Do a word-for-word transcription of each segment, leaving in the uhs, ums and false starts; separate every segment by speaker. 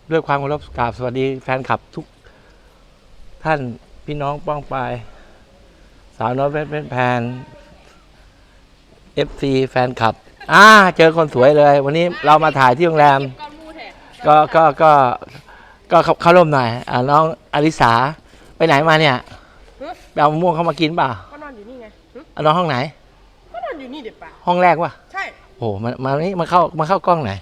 Speaker 1: ด้วยความเคารพกราบสวัสดีแฟนคลับทุกท่านพี่น้องป้องปายสาวน้อยเพชรเป็นแพนเอฟซีแฟนคลับอ่าเจอคนสวยเลย วันนี้เรามาถ่ายที่โรงแรมก็ก็ก็ก็เข้าร่วมหน่อยอ่าน้องอลิสาไปไหนมาเนี่ยไปเอามะม่วงเข้ามากินป่ะ
Speaker 2: ก็นอนอยู่นี่ไง
Speaker 1: นอนห้องไหน
Speaker 2: ก็นอนอยู่นี่เด็ดป่ะ
Speaker 1: ห้องแรกวะ
Speaker 2: ใช่
Speaker 1: โอ้มามานี่มาเข้ามาเข้ากล้องไหน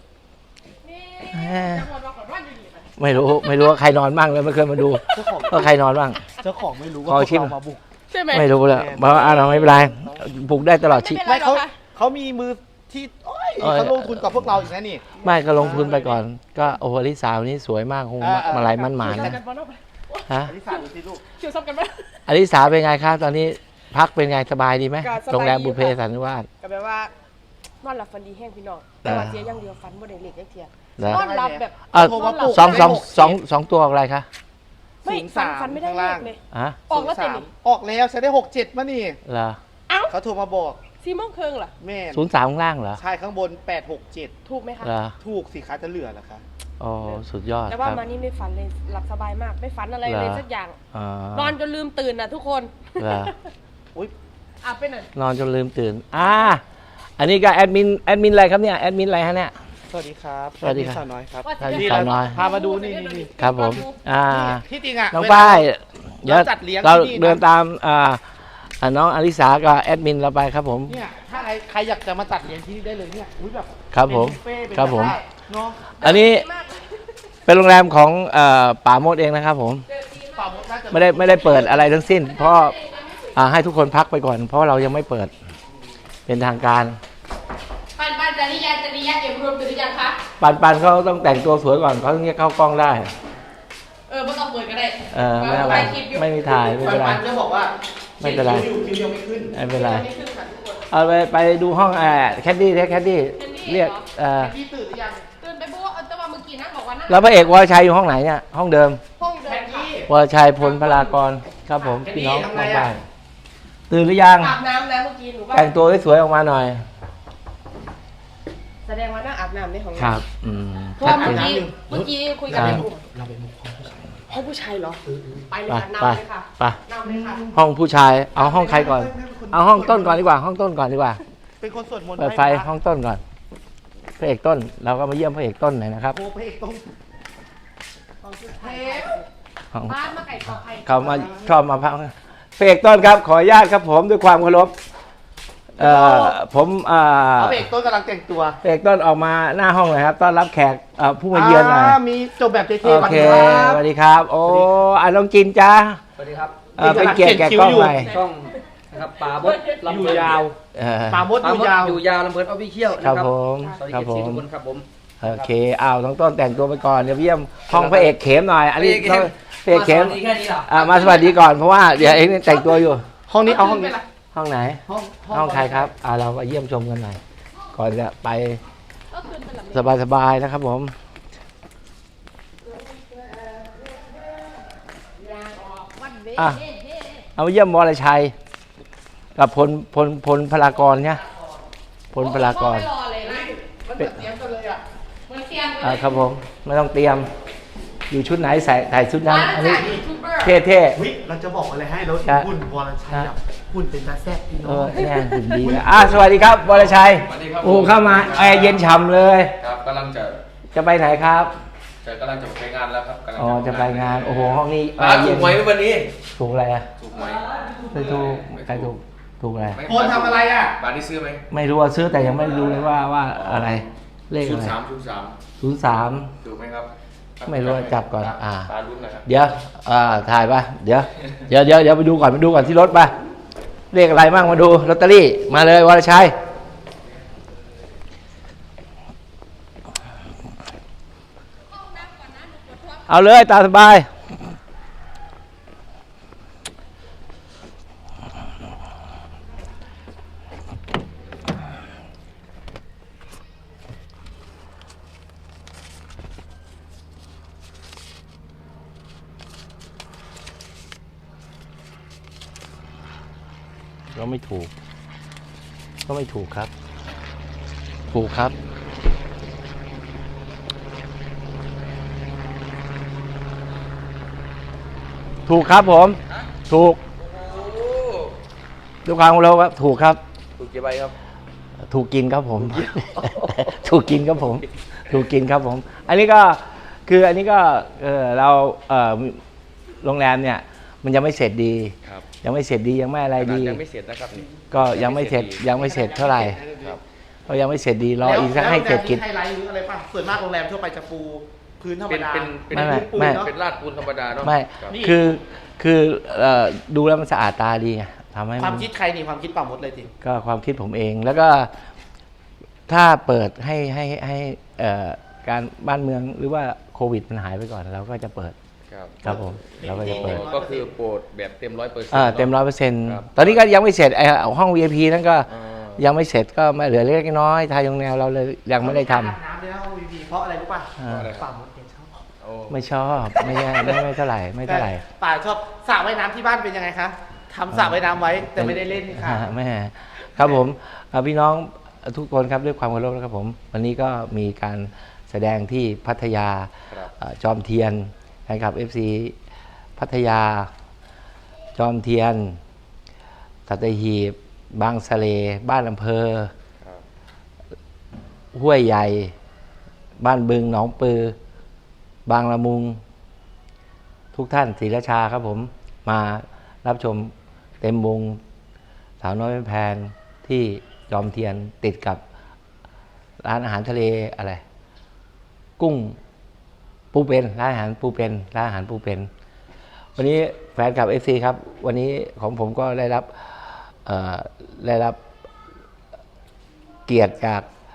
Speaker 1: ไม่รู้ไม่รู้ว่าใครนอนบ้างเลยไม่เคยมาดูว่าใครนอนบ้าง
Speaker 3: เจ้าของไม่รู้ว่าพวกเรามาบุก
Speaker 2: ใช่ไหม
Speaker 1: ไม่รู้เลยเพราะว่าเราไม่เป็นไรบุกได้ตลอดชีวิต
Speaker 3: ไม่เขาเขามีมือที่เขาลงทุนกับพวกเราอีกนะนี่
Speaker 1: ไม่ก็ลงทุนไปก่อนก็โอ้โหอลิสาวันนี้สวยมากคงมาลายมั่นหมานนะฮะ
Speaker 3: อลิสาดูสิลูก
Speaker 2: เกี่ยวซับกันไหม
Speaker 1: อลิสาเป็นไงครับตอนนี้พักเป็นไงสบายดีไหมโรงแรมบุพเพสันนิวาส
Speaker 2: ก็แปลว่านอนหลับฝันดีแห้งพี่น้องแต่ว่าเสียอย่างเดียวฝันบ่ได้เล็กเทียนอนหลับแบบ
Speaker 1: เออสองสองสองสองตัวอะไรคะ
Speaker 2: ไม่ฝันฝันไม่ได้เลขเลยออกแล้วเต็ม
Speaker 3: ออกแล้วใช้ได้หกเจ็ดมานี่
Speaker 1: เหรอ
Speaker 3: เขาโทรมาบอก
Speaker 2: ซีโมงเคิงเหรอ
Speaker 3: แม่
Speaker 1: ศูนย์สามข้างล่างเหรอ
Speaker 3: ใช่ข้างบนแปดหกเจ็ด
Speaker 2: ถูกไหมคะ
Speaker 3: ถูกสิคะจะเหลือเหรอคะ
Speaker 1: อ๋อสุดยอด
Speaker 2: แต่ว่ามานี่ไม่ฝันเลยหลับสบายมากไม่ฝันอะไรเลยสักอย่างนอนจนลืมตื่นนะทุกคน
Speaker 3: อุ้ย
Speaker 2: อ่ะไปหน่อย
Speaker 1: นอนจนลืมตื่นอ่าอันนี้ก็แอดมินแอดมินอะไรครับเนี่ยแอดมินอะไรฮะเนี่ย
Speaker 3: สวัสดีครับ
Speaker 1: สวัสดีครับ
Speaker 3: สาวน้อยครับ
Speaker 1: สาวน้อย
Speaker 3: พามาดูนี่นี่
Speaker 1: ครับผมอ่า
Speaker 3: ที่จริงอ่ะ
Speaker 1: น้องป้ายเดี๋ยวเราเดินตามอ่าน้องอลิสากับแอดมินเราไปครับผม
Speaker 3: เนี่ยถ้าใครใครอยากจะมาตัดเลี้ยงที่นี่ได้เลยเนี่ยอุ้ยแบบ
Speaker 1: ครับผมครับผม
Speaker 3: เนาะ
Speaker 1: อันนี้เป็นโรงแรมของป่าโมดเองนะครับผมไม่ได้ไม่ได้เปิดอะไรทั้งสิ้นเพราะให้ทุกคนพักไปก่อนเพราะเรายังไม่เปิดเป็นทางการ
Speaker 2: ปันปันจริยาจริยาเก็บรวมหรือยังคะ
Speaker 1: ปันปันเขาต้องแต่งตัวสวยก่อนเขาถึงจะเข้ากล้องได้
Speaker 2: เออไม่ต้องเปิดก็ได้
Speaker 1: เออไม่อะไรไม่มีถ่ายไม่เป็นไร
Speaker 3: ปันจะบอกว่า
Speaker 1: ไม่เป็นไร
Speaker 3: คิวยังไม่ขึ้น
Speaker 1: ไม่เป็นไรเอาไปไปดูห้องแอร์แคดดี้แคดดี้เรียกเออ
Speaker 3: พี่ตื่นหรือยัง
Speaker 2: ตื่นไปบุ๊กแต่ว่าเมื่อกี้นั่งบอกว่านั่ง
Speaker 1: แล้วพระเอกวรชัยอยู่ห้องไหนเนี่ยห้องเดิม
Speaker 2: ห้องเดิม
Speaker 1: วรชัยพลพลากรครับผมพี่น้องมาบ้านตื่นหรือยัง
Speaker 2: อาบน้ำแล้วเมื่อกี้หนูว่า
Speaker 1: แต่งตัวสวยๆออกมาหน่อย
Speaker 2: แสดงว่านั่งอาบน้ำในห้อง
Speaker 1: ครับ อืม
Speaker 2: เพราะเมื่อกี้เมื่อกี้คุยกันในกลุ่ม
Speaker 3: เราไปมุก
Speaker 2: ห้องผู้ชายเหรอไปเลยค่ะนำเลยค่ะ
Speaker 1: ไป
Speaker 2: นำเลยค่ะ
Speaker 1: ห้องผู้ชายเอาห้องใครก่อนเอาห้องต้นก่อนดีกว่าห้องต้นก่อนดีกว่า
Speaker 3: เป็นคนสวดมนต์
Speaker 1: เปิดไฟห้องต้นก่อนพระเอกต้นเราก็มาเยี่ยมพระเอกต้นหน่อยนะครับ
Speaker 3: โอ้พระเอกต้น
Speaker 2: บ้านมาไก่ต่อไข่
Speaker 1: เขามาชอบมาพักพระเอกต้นครับขออนุญาตครับผมด้วยความเคารพเอ่อผมอ่า
Speaker 3: พระเอกต้นกำลังแต่งตัว
Speaker 1: พระเอกต้นออกมาหน้าห้องเลยครับต้อนรับแขกผู้มาเยือนหน่อย
Speaker 3: มีจบแบบเท่
Speaker 1: ๆโอเคสวัสดีครับโอ้อ่ะน้องจินจ้า
Speaker 4: สวัสดีครับ
Speaker 1: เป็นเกียรติแก่กล้องใหม่
Speaker 4: ช่องนะครับป่าบด
Speaker 3: อยู่ยาวป่าบดอยู่ยาว
Speaker 4: อยู่ยาวลำเพลินออฟฟิเชียล
Speaker 1: นะครับผม
Speaker 4: ครับผมทุกคนครับผม
Speaker 1: โอเคอ้าวน้องต้นแต่งตัวไปก่อนเดี๋ยวเยี่ยมห้องพระเอกเข็มหน่อยอันนี้พระเอกเข็มมาสวัสดีก่อนเพราะว่าเดี๋ยวเองแต่งตัวอยู่
Speaker 3: ห้องนี้เอาห้องนี้
Speaker 1: ห้องไหนห้องใครครับอ่าเราไปเยี่ยมชมกันหน่อยก่อนจะไปสบายๆนะครับผมอ่ะเอาเยี่ยมวรชัยกับพลพลพลพลากรเนี่ยพลพลากร
Speaker 3: เป็นเตรียมกันเลยอ่ะ
Speaker 1: อ่าครับผมไม่ต้องเตรียมอยู่ชุดไหนใส่ใส่ชุดนั้นอันนี้เท่ๆ
Speaker 3: เราจะบอกอะไรให้แล้วหุ่นวรชัยหุ่นเป็นตาแซ่บพี่น้อง
Speaker 1: แน่หุ่นดีนะอ่าสวัสดีครับวรชัยโอ้เข้ามาแอร์เย็นฉ่ำเลย
Speaker 4: ครับกำลังจะ
Speaker 1: จะไปไหนครับ
Speaker 4: จะกำลังจะไปงานแล้วครับ
Speaker 1: อ๋อจะไปงานโอ้โหห้องนี้
Speaker 4: ถูกไหมวันนี้
Speaker 1: ถูกอะไรอ่ะ
Speaker 4: ถูกไหม
Speaker 1: ไม่ถูกใครถูกถูกอะไร
Speaker 3: คนทำอะไรอ่ะ
Speaker 4: บ้านนี้ซื้อไหม
Speaker 1: ไม่รู้ว่าซื้อแต่ยังไม่รู้เลยว่าว่าอะไรเลขอะไร
Speaker 4: ศูนย์สามศูนย์สาม
Speaker 1: ศูนย์สาม
Speaker 4: ถูกไหมครับ
Speaker 1: ไม่รู้จับก่อนอ่า
Speaker 4: เดี๋
Speaker 1: ยวอ่าถ่ายป่ะเดี๋ยวเดี๋ยวเดี๋ยวเดี๋ยวไปดูก่อนไปดูก่อนที่รถป่ะเลขอะไรบ้างมาดูลอตเตอรี่มาเลยวรชัยเอาเลยตาสบายก็ไม่ถูกก็ไม่ถูกครับถูกครับถูกครับผม ถูกด้วยความเราครับถูกครับ
Speaker 4: ถูกกี่ใบครับ
Speaker 1: ถูกกินครับผม ถูกกินครับผม ถูกกินครับผม อันนี้ก็คืออันนี้ก็เออเราเออโรงแรมเนี่ยมันยังไม่เสร็จดี
Speaker 4: ครับ
Speaker 1: ยังไม่เสร็จดียังไม่อะไร
Speaker 4: ขนาด
Speaker 1: ดี
Speaker 4: ยังไม่เสร็จนะครับนี่
Speaker 1: ก็ยังไม่เสร็จยังไม่เสร็จเท่าไหร่
Speaker 4: ครับ
Speaker 1: ก็ยังไม่เสร็จดีรออีกสักให้เสร็จกิจ
Speaker 3: ไฮไลท์หรืออะไรป่ะส่วนมากโรงแรมทั่วไปจะปูพื้นธรรม
Speaker 4: เป็น
Speaker 3: ดา
Speaker 4: เป็นเป็น
Speaker 1: ไม่ไม่
Speaker 4: พื้นปูน
Speaker 1: ไม่
Speaker 4: เนาะเป็นลาดปูนธรรมดาเนาะ
Speaker 1: ไม่
Speaker 4: ครับ
Speaker 3: นี่
Speaker 1: คือคือเอ่อดูแล้วมันสะอาดตาดีไงทำให้
Speaker 3: ความคิดใครนี่ความคิดป่ามดเลยที
Speaker 1: ก็ความคิดผมเอง แล้วก็ถ้าเปิดให้ให้ให้เอ่อการบ้านเมืองหรือว่าโควิดมันหายไปก่อนเราก็จะเปิด
Speaker 4: ครับ
Speaker 1: ครับผมเราก็จะเปิด
Speaker 4: ก็คือโปรดแบบเต็มร้อยเปอร์เซ็นต์
Speaker 1: อ่าเต็มร้อยเปอร์เซ็นต์
Speaker 4: ครับ
Speaker 1: ตอนนี้ก็ยังไม่เสร็จไอ้ห้อง วี ไอ พี นั่นก็
Speaker 4: อ่า
Speaker 1: ยังไม่เสร็จก็มาเหลือเล็กน้อยทายโรงแนวเราเลยยังไม่ได้ทำ
Speaker 3: อาบน้ำเลยนะห้องวีพีเพราะอะไรรู้ป่ะ
Speaker 1: อ่า
Speaker 3: ป่ามดเนี่ยชอบ
Speaker 4: โอ้
Speaker 1: ไม่ชอบไม่ใช่ไม่ไม่เท่าไหร่ไม่เท่าไหร่
Speaker 3: แต่ป่าชอบสระว่ายน้ำที่บ้านเป็นยังไงคะทำสระว่ายน้ำไว้แต่ไม่ได้เล่นค่ะ
Speaker 1: อ่าไม่ครับผมอ่าพี่น้องทุกคนครับด้วยความเคารพนะครับผม วันนี้ก็มีการแสดงที่พัทยา
Speaker 4: ครับ
Speaker 1: อ่าจอมเทียนนะครับ เอฟ ซี พัทยา จอมเทียนสัตหีบบางสะเล บ้านอำเภอ
Speaker 4: ครับ
Speaker 1: ห้วยใหญ่ บ้านบึงหนองปือ บางละมุง ทุกท่านศรีราชาครับผมมารับชมเต็มวงสาวน้อยแพนที่จอมเทียนติดกับร้านอาหารทะเลอะไร กุ้งปูเป็นร้านอาหารปูเป็นร้านอาหารปูเป็น วันนี้แฟนคลับ เอฟ ซี ครับ วันนี้ของผมก็ได้รับเอ่อได้รับเกียรติจาก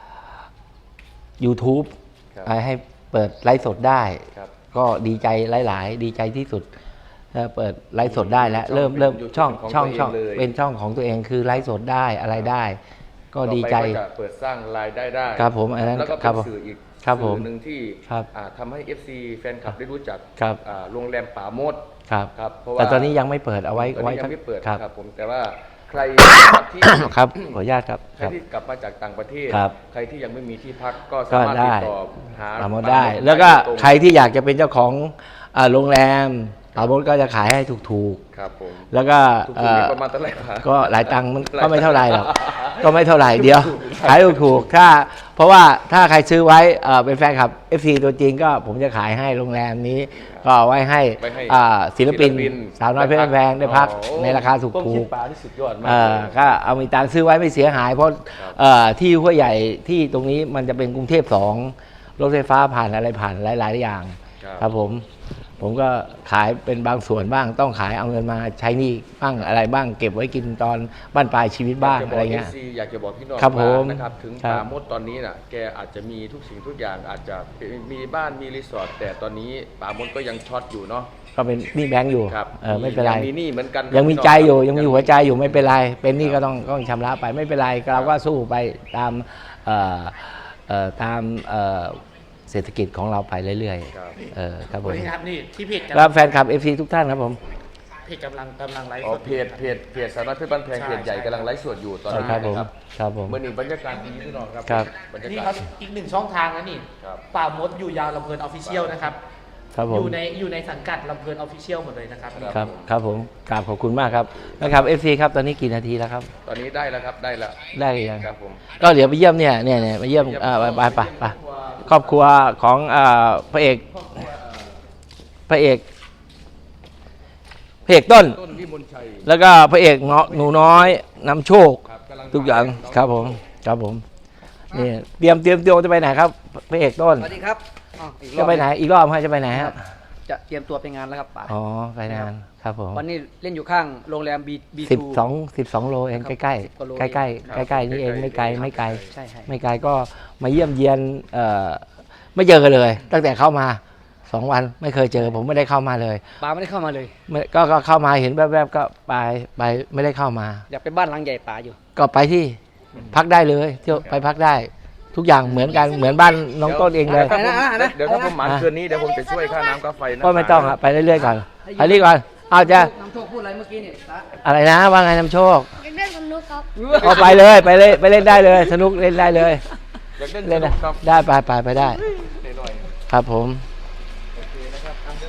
Speaker 1: YouTube
Speaker 4: ครับ
Speaker 1: ให้เปิดไลฟ์สดได้
Speaker 4: ครับ
Speaker 1: ก็ดีใจหลาย ๆ ดีใจที่สุดเอ่อเปิดไลฟ์สดได้แล้ว
Speaker 4: ช่อง
Speaker 1: เริ่มเริ่ม
Speaker 4: เป็น
Speaker 1: ช่อง
Speaker 4: ของ
Speaker 1: ช่อง
Speaker 4: ตัวเอง
Speaker 1: ช่อง
Speaker 4: เลย
Speaker 1: เป็นช่องของตัวเองคือไลฟ์สดได้อะไรได้ ก็ดีใจ
Speaker 4: ต่อไปก็จะเปิดสร้างรายได้ได้
Speaker 1: ครับผมอันนั้น
Speaker 4: แล้วก็
Speaker 1: ครั
Speaker 4: เป็
Speaker 1: บ
Speaker 4: นสื่ออีก
Speaker 1: ครับผม
Speaker 4: สื่อหนึ่งที่
Speaker 1: ครับ
Speaker 4: อ่าทำให้ เอฟ ซี แฟนคลับได้รู้จัก
Speaker 1: ครับ
Speaker 4: อ่าโรงแรมป่าโมด
Speaker 1: ครับ
Speaker 4: ครับเพราะว่า
Speaker 1: แต่ตอนนี้ยังไม่เปิดเอาไว้
Speaker 4: ตอน
Speaker 1: ไว้
Speaker 4: นี้ยังไม่เปิด
Speaker 1: ครับ
Speaker 4: ครับผมแต่ว่าใครที่
Speaker 1: ครับขออนุญาตครับ
Speaker 4: ใครที่กลับมาจากต่างประเทศ
Speaker 1: ครับ
Speaker 4: ใครที่ยังไม่มีที่พักก็
Speaker 1: ก็
Speaker 4: สามารถ
Speaker 1: ได้
Speaker 4: ติดต่อหา
Speaker 1: ปราโมดได้ แล้วก็
Speaker 4: ตรง
Speaker 1: ใครที่อยากจะเป็นเจ้าของอ่าโรงแรมปราโมดก็จะขายให้ถูก
Speaker 4: ครับผม
Speaker 1: ๆแล้วก็
Speaker 4: ถูก
Speaker 1: เอ่
Speaker 4: ๆนี่
Speaker 1: อ
Speaker 4: ประมาณเท่าไหร่ครับ
Speaker 1: ก็หลายตังค์มัน
Speaker 4: หลาย
Speaker 1: ก็ไม่เท่าไหร่หรอก
Speaker 4: ตังค์
Speaker 1: ก็ไม่เท่าไหร่เดียว ขายถูกๆถ้าเพราะว่าถ้าใครซื้อไว้เอ่อเป็นแฟนคลับ เอฟ ซี ตัวจริงก็ผมจะขายให้โรงแรมนี้ ก็เอาไว้ให้
Speaker 4: ไว้ให้
Speaker 1: อ่าศิลปิน
Speaker 4: ศิลปิน
Speaker 1: สาวน้อยเพชรแพงได้พัก
Speaker 4: อ๋อ
Speaker 1: ในราคาถู
Speaker 4: ต้มคิด
Speaker 1: ก
Speaker 4: ปลาที่สุดยอด
Speaker 1: ๆ
Speaker 4: มาก
Speaker 1: เอ่อ
Speaker 4: เลย
Speaker 1: ก็เอามีตังค์ซื้อไว้ไม่เสียหาย เพราะ
Speaker 4: ครับ
Speaker 1: เอ่อที่ห้วยใหญ่ที่ตรงนี้มันจะเป็นกรุงเทพสองรถไฟฟ้าผ่านอะไรผ่านหลายๆอย่าง
Speaker 4: ครับ
Speaker 1: ครับผม ผมก็ขายเป็นบางส่วนบ้าง ต้องขายเอาเงินมาใช้หนี้บ้างอะไรบ้าง เก็บไว้กินตอนบ้านปลายชีวิตบ้าง
Speaker 4: ยกจ
Speaker 1: อะไร
Speaker 4: บก
Speaker 1: เงี้ย
Speaker 4: อฟซีอยากจะบอกพี่น้อง
Speaker 1: ครับผม
Speaker 4: ว่านะครับถึง
Speaker 1: ครับ
Speaker 4: ป่าโมดตอนนี้น่ะแกอาจจะมีทุกสิ่งทุกอย่างอาจจะมีบ้านมีรีสอร์ทแต่ตอนนี้ป่าโมดก็ยังช็อตอยู่เนาะ
Speaker 1: ก็เป็นหนี้แบงก์อยู่
Speaker 4: ครับ
Speaker 1: เออไม่เป็นไร
Speaker 4: ยังมีหนี้เหมือนกัน
Speaker 1: ยังมี
Speaker 4: พี่น้
Speaker 1: ใจอยู่
Speaker 4: ครับ
Speaker 1: ยังมีหัวใจอยู่ไม่เป็นไร เป็นหนี้ก็ต้องต้องชำระไปไม่เป็นไรเราก็สู้ไปตามเอ่อเอ่อตามเอ่อเศรษฐกิจของเราไปเรื่อย
Speaker 4: ครับ
Speaker 1: ๆเออครับผม
Speaker 3: นี่ครับนี่ที่เพจ
Speaker 1: แล้วแฟนคลับ เอฟ ซี ทุกท่านครับผม
Speaker 3: เพจกำลังกำลังไลฟ์
Speaker 4: อ๋อ
Speaker 3: สด
Speaker 4: เพจเพจเพจสารพัดเพชรบ้านแพง
Speaker 3: ใช่
Speaker 4: เพจใหญ่
Speaker 3: ใช่
Speaker 4: กำลังไลฟ์สดอยู่ตอนนี้
Speaker 1: ครับผม
Speaker 4: นะครับ
Speaker 1: ครับผม
Speaker 4: เมื่อนี้บรรยากาศดีพี่น้องครับ
Speaker 1: ครับ
Speaker 4: บรรยา
Speaker 3: นี่
Speaker 4: กา
Speaker 3: ครั
Speaker 4: ศ
Speaker 3: บอีกหนึ่งช่องทางนะนี่
Speaker 4: ครับ
Speaker 3: ป่ามดอยู่ยาวลำเพลินออฟฟิเชียลนะครับ
Speaker 1: ครับผ
Speaker 3: อ
Speaker 1: ม
Speaker 3: ยู่ในอยู่ในสังกัดลำเพลินออฟฟิเชียลหมดเลยนะครับ
Speaker 1: ครับครับผมกราบขอบคุณมากครับนะครับ เอฟ ซี ครับตอนนี้กี่นาทีแล้วครับ
Speaker 4: ตอนนี้ได้แล้วครับได้แล้ว
Speaker 1: ได้หรือยัง
Speaker 4: ครับผม
Speaker 1: ก็เดี๋ยวไปเยี่ยมเนี่ยเนี่ยเนี่ยมาเยี่ยมเอ่อไปไปไปครอบครัวของเอ่อพระเอกพระเอกพระเอกต้น
Speaker 4: ต้นวิมลชัย
Speaker 1: แล้วก็พระเอกเงาะหนูน้อยนำโชค
Speaker 4: ครับกำลัง
Speaker 1: ทุกอย่างครับผมครับผมนี่เตรียมเตรียมตัวจะไปไหนครับพระเอกต้น
Speaker 5: สวัสดีครับอ้าวอีกรอบ
Speaker 1: จะไปไหนอีกรอบฮะจะไปไหนฮะ
Speaker 5: จะเตรียมตัวไปงานแล้วครับป๋า
Speaker 1: อ๋อไปงานครับผม
Speaker 5: วันนี้เล่นอยู่ข้างโรงแรมบีบี
Speaker 1: สิบ
Speaker 5: ทู
Speaker 1: สองสิบสองโลเอง
Speaker 5: ครับ
Speaker 1: ใกล้ใกล้
Speaker 5: สิบกว่าโล
Speaker 1: ใกล้ใกล้ใกล้ใกล้ๆนี่เองไม่ไกลไม่ไกล
Speaker 5: ใช่ใช่
Speaker 1: ไม่ไกลก็มาเยี่ยมเยียนเอ่อไม่เจอกันเลย ตั้งแต่เข้ามาสองวันไม่เคยเจอ ผมไม่ได้เข้ามาเลย
Speaker 5: ป๋าไม่ได้เข้ามาเลย
Speaker 1: ไม่ก็ก็เข้ามาเห็นแวบๆก็ไปไปไม่ได้เข้ามา
Speaker 5: อยากไปบ้านหลังใหญ่ป๋าอยู่
Speaker 1: ก็ไปที่พักได้เลยเที่ยวไปพักได้ ทุกอย่างเหมือนกันเหมือนบ้านน้องต้นเองเลย
Speaker 4: ดี๋ว
Speaker 5: อ่ะนะ
Speaker 4: เดี๋ยวถ้า
Speaker 5: อ่ะนะ
Speaker 4: ผมหมานคืนนี้เดี๋ยวผมจะช่วยค่าน้ำค่าไฟนะ
Speaker 1: ก็ไม่ต้องอะไปเรื่อยๆก่อนอันนี้ก่อนเอาจะ
Speaker 5: น้ำโชคพูดอะไรเมื่อกี้เนี่ยป๋า
Speaker 1: อะไรนะว่าไงน้ำโชค
Speaker 2: อยากเล่นสนุกครับ
Speaker 1: เอาไปเลยไปเลยไปเล่นได้เลย สนุกเล่นได้เลย
Speaker 4: อยากเล่น
Speaker 1: เล่น
Speaker 4: ส
Speaker 1: ได้
Speaker 4: กครับ
Speaker 1: ได้ไปไปไปได้
Speaker 4: หน่อย
Speaker 1: ครับผม
Speaker 4: ๆโอเคนะครับอ่ะเดี๋ยว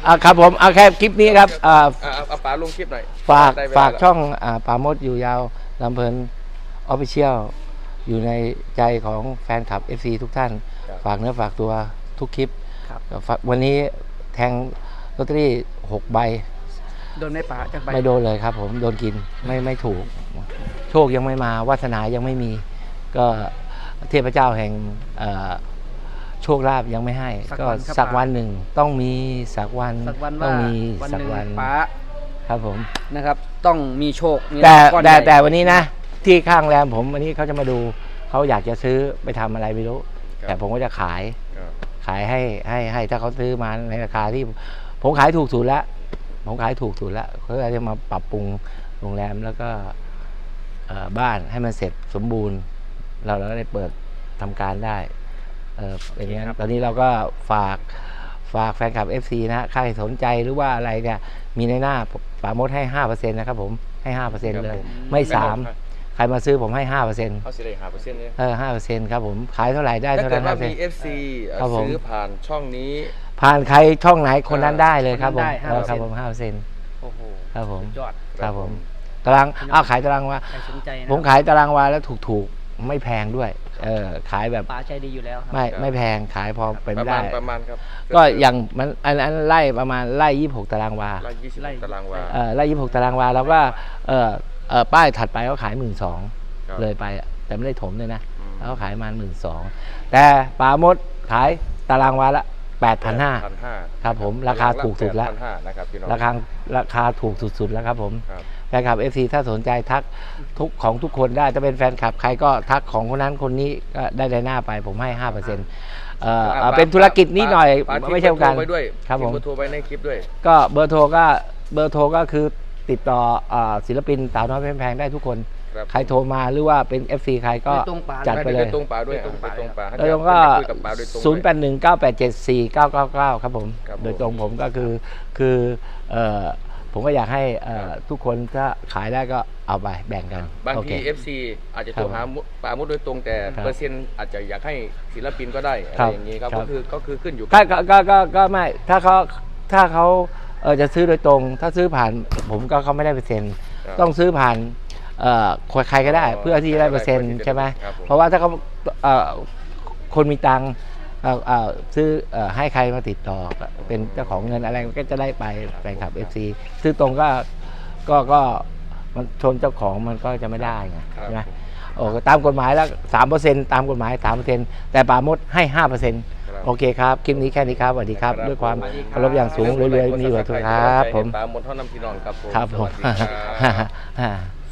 Speaker 1: อ่าครับผมเอาแค่คลิปนี้ครับอ่า
Speaker 4: อ่ะเอาเอาป๋าลงคลิปหน่อย
Speaker 1: ฝาก
Speaker 4: ได้เวล
Speaker 1: ฝาก
Speaker 4: แล้ว
Speaker 1: ช่องอ่าปราโมดอยู่ยาวลำเพลินออฟฟิเชียลอยู่ในใจของแฟนคลับ เอฟ ซี ทุกท่าน
Speaker 4: ครับ
Speaker 1: ฝากเนื้อฝากตัวทุกคลิป
Speaker 5: ครับ
Speaker 1: ฝากวันนี้แทงลอตเตอรี่หกใบ
Speaker 5: โดนไหม่ป๋าจากใบ
Speaker 1: ไม่โดนเลยครับผมโดนกินไม่ไม่ถูก โชคยังไม่มาวาสนายังไม่มี ก็เทพเจ้าแห่งเอ่อโชคลาภยังไม่ให้ ก็สักวันหนึ่งต้องมีสักวัน
Speaker 5: สักวัน
Speaker 1: ต้อ
Speaker 5: ว่าง
Speaker 1: มี
Speaker 5: วัน
Speaker 1: สั
Speaker 5: ห
Speaker 1: ก
Speaker 5: นึ่ง
Speaker 1: วัน
Speaker 5: ป๋า
Speaker 1: ครับผม
Speaker 5: นะครับ ต้องมีโชคมี
Speaker 1: แต่
Speaker 5: รางวัล
Speaker 1: แต่
Speaker 5: ก้อนใหญ่
Speaker 1: แต่วันนี้นะ ที่ข้างแรมผมวันนี้เขาจะมาดูเขาอยากจะซื้อไปทำอะไรไม่รู้
Speaker 4: ครับ
Speaker 1: แต่ผมก็จะขาย
Speaker 4: ครับ
Speaker 1: ขายให้ให้ให้ถ้าเขาซื้อมาในราคาที่ ผมขายถูกสุดแล้วผมขายถูกสุดแล้วเขาจะมาปรับปรุงโรงแรมแล้วก็เอ่อบ้านให้มันเสร็จสมบูรณ์ เราเราก็ได้เปิดทำการได้เออเป็นอย่างนั้นตอนนี้เราก็ฝากฝากแฟนคลับ เอฟ ซี นะฮะใครสนใจหรือว่าอะไรเนี่ยมีในหน้าป่ามดให้ห้าเปอร์เซ็นต์นะครับผมให้ห้าเปอร์เซ็นต์
Speaker 4: ครับ
Speaker 1: เลย
Speaker 4: ผม
Speaker 1: ไม่สาม
Speaker 4: ครับ
Speaker 1: ใครมาซื้อผมให้ห้าเปอร์เซ็นต์
Speaker 4: เขาสิได้หาเปอร์เซ็นต์เนี่ย
Speaker 1: เออห้าเปอร์เซ็นต์ครับผมขายเท่าไหร่ได้
Speaker 4: ถ้า
Speaker 1: เท่า
Speaker 4: เกิ
Speaker 1: นั้
Speaker 4: ด
Speaker 1: น
Speaker 4: ว่า
Speaker 1: ห้าเปอร์เซ็น
Speaker 4: มี
Speaker 1: ต์
Speaker 4: เอฟซี
Speaker 1: ครับผม
Speaker 4: ซื้อผ่านช่องนี้
Speaker 1: ผ่านใครช่องไหนคนนั้นได้เลยครับผม
Speaker 5: คนนั้นได้
Speaker 1: เออครับผมห้าเปอร์เซ็นต์
Speaker 5: โอ้โห
Speaker 1: ครับผม
Speaker 5: สุดยอด
Speaker 1: ครับผมตารางอ้าวขายตารางวา
Speaker 5: ใครสนใจนะ
Speaker 1: ผมขายตารางวาแล้วถูกๆไม่แพงด้วยเออขายแบบ
Speaker 5: ป๋าใจดีอยู่แล้วครั
Speaker 1: ไม่
Speaker 4: ครับ
Speaker 1: ไม่แพงขายพอเป็น
Speaker 4: ประ
Speaker 1: ได้
Speaker 4: มาณประมาณครับ
Speaker 1: ก็อย่างมันอันนั้นไล่ประมาณไล่ยี่สิบหกตารางวา
Speaker 4: ร้อยยี่สิบตารางวา
Speaker 1: เออไล่ยี่สิบหกตารางวาแล้วก็เออเออป้ายถัดไปเขาขายหมื่นสอง
Speaker 4: ครับ
Speaker 1: เลยไปอะแต่ไม่ได้ถมเลยนะ
Speaker 4: อืม
Speaker 1: แล้วเขาขายมาหมื่นสองแต่ปลามดขายตารางวาละแปดพันห้า
Speaker 4: พันห้า
Speaker 1: ครับผมราคาถูกสุดแล้ว
Speaker 4: พันห้านะครับพี่น้อง
Speaker 1: ราคาราคาถูกสุดๆแล้วครับผม
Speaker 4: ครับ
Speaker 1: แฟนคลับ เอฟ ซี ถ้าสนใจทักทุกของทุกคนได้จะเป็นแฟนคลับใครก็ทักของคนนั้นคนนี้ก็ได้ในหน้าไปผมให้ห้าเปอร์เซ็นต์เอ่อเอ่อเป็นธุรกิจนิดหน่อย
Speaker 4: ป๋าทิ้ง
Speaker 1: ไม่ใช่การ
Speaker 4: เบอร์โทรไว้ด้วย
Speaker 1: ครับผม
Speaker 4: ทิ้งเบอร์โทรไว้ในคลิปด้วย
Speaker 1: ก็เบอร์โทรก็เบอร์โทรก็คือติดต่อเอ่อศิลปินสาวน้อยเพชรแพงได้ทุกคน
Speaker 4: ครับ
Speaker 1: ใครโทรมาหรือว่าเป็น เอฟ ซี ใครก็
Speaker 5: ไปตรงป๋า
Speaker 1: จัดไปเลย
Speaker 4: ตรงป๋าด้วยไปตรงป๋า
Speaker 1: โดยตรงก็
Speaker 4: คุยกับป๋าโดยตรง
Speaker 1: ศูนย์แปดหนึ่งเก้าแปดเจ็ดสี่เก้าเก้าเก้าครับผม
Speaker 4: ครับผม
Speaker 1: โดยตรงผมก็คือคือเอ่อผมก็อยากให้เอ่อทุกคนถ้าขายได้ก็เอาไปแบ่งกัน
Speaker 4: บาง
Speaker 1: โอเค
Speaker 4: ที เอฟ ซี อาจจะโทรหาป๋ามุดโดยตรงแต่
Speaker 1: ครับ
Speaker 4: เปอร์เซ็นต์อาจจะอยากให้ศิลปินก็ได้อะ
Speaker 1: ครั
Speaker 4: ไร
Speaker 1: บ
Speaker 4: อย่างนี้ครับ
Speaker 1: ครับ
Speaker 4: ก็คือก็คือขึ้นอยู่
Speaker 1: ก็ก็ก็ก็ก็ไม่ถ้าเขาถ้าเขาเออจะซื้อโดยตรง ถ้าซื้อผ่านผมก็เขาไม่ได้เปอร์เซ็นต์
Speaker 4: ครับ
Speaker 1: ต้องซื้อผ่านเอ่อใครก็ได้
Speaker 4: อ๋อ
Speaker 1: เพื่อที่จะได้เปอร์เซ็นต์
Speaker 4: ใครก็ได้
Speaker 1: ใช่ไหม
Speaker 4: ครับผม
Speaker 1: เพราะว่าถ้าเขาเอ่อคนมีตังค์เอ่อเอ่อซื้อเอ่อให้ใครมาติดต่อเป็นเจ้าของเงินอะไรก็จะได้ไปแฟนคลับ เอฟ ซี ซื้อตรงก็ก็ก็มันชนเจ้าของมันก็จะไม่ได้ไง
Speaker 4: ครับ
Speaker 1: ใช่ไหมโอ้ตามกฎหมายแล้วสามเปอร์เซ็นต์ตามกฎหมายสามเปอร์เซ็นต์แต่ป่ามดให้ห้าเปอร์เซ็นต์
Speaker 4: ครับ
Speaker 1: โอเคครับ คลิปนี้แค่นี้ครับสวัสดีครับ
Speaker 4: ครับ
Speaker 1: ด้วยความ
Speaker 4: สวัสดีครับ
Speaker 1: เคารพอย่างสูงเรื่อยๆมีหัวทุกครับผม
Speaker 4: ป๋าหมดเท่าน้ำพี่น้องครับผม
Speaker 1: ครับผม
Speaker 4: สวัสดีครับ